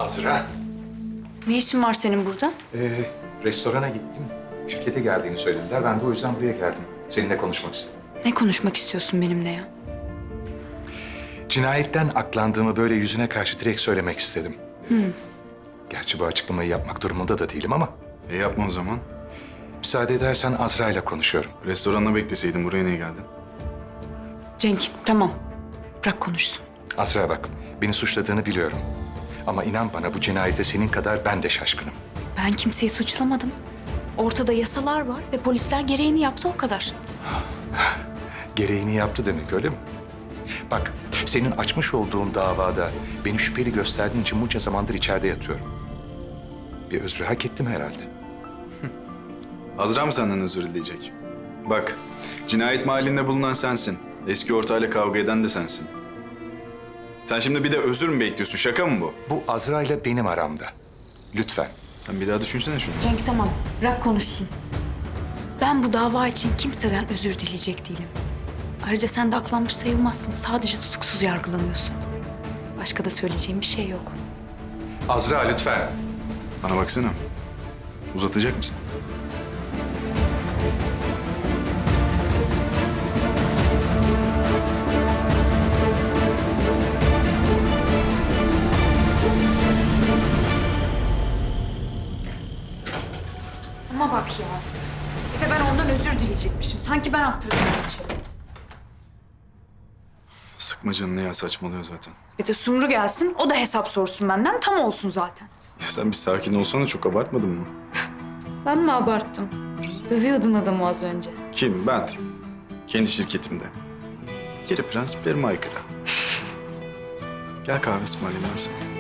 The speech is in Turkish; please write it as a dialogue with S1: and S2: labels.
S1: Azra,
S2: Ne işin var senin burada?
S1: restorana gittim. Şirkete geldiğini söylediler. Ben de o yüzden buraya geldim. Seninle konuşmak istedim.
S2: Ne konuşmak istiyorsun benimle ya?
S1: Cinayetten aklandığımı böyle yüzüne karşı direkt söylemek istedim. Gerçi bu açıklamayı yapmak durumunda da değilim ama...
S3: Yapma o zaman.
S1: Müsaade edersen Azra ile konuşuyorum.
S3: Restoranda bekleseydin buraya niye geldin?
S2: Cenk, tamam. Bırak konuşsun.
S1: Azra bak, beni suçladığını biliyorum. Ama inan bana bu cinayete senin kadar ben de şaşkınım.
S2: Ben kimseyi suçlamadım. Ortada yasalar var ve polisler gereğini yaptı, o kadar.
S1: Gereğini yaptı demek, öyle mi? Bak, senin açmış olduğun davada beni şüpheli gösterdiğin için bunca zamandır içeride yatıyorum. Bir özrü hak ettim herhalde.
S3: Azra mı senden özür dileyecek? Bak, cinayet mahallinde bulunan sensin. Eski ortağıyla kavga eden de sensin. Sen şimdi bir de özür mü bekliyorsun? Şaka mı bu?
S1: Bu Azra ile benim aramda. Lütfen.
S3: Sen bir daha düşünsene şunu.
S2: Cenk, tamam. Bırak konuşsun. Ben bu dava için kimseden özür dileyecek değilim. Ayrıca sen de aklanmış sayılmazsın. Sadece tutuksuz yargılanıyorsun. Başka da söyleyeceğim bir şey yok.
S1: Azra lütfen.
S3: Bana baksana. Uzatacak mısın?
S2: Ama bak ya. Bir de ben ondan özür dileyecekmişim. Sanki ben attırdım her şeyi.
S3: Sıkma canını ya, saçmalıyor zaten.
S2: Bir de Sumru gelsin, o da hesap sorsun benden. Tam olsun zaten.
S3: Ya sen bir sakin olsana, çok abartmadın mı?
S2: Ben mi abarttım? Dövüyordun adamı az önce.
S3: Kim? Ben. Kendi şirketimde. Bir kere prensiplerime aykırı. Gel kahve ısmarlayayım ben sana.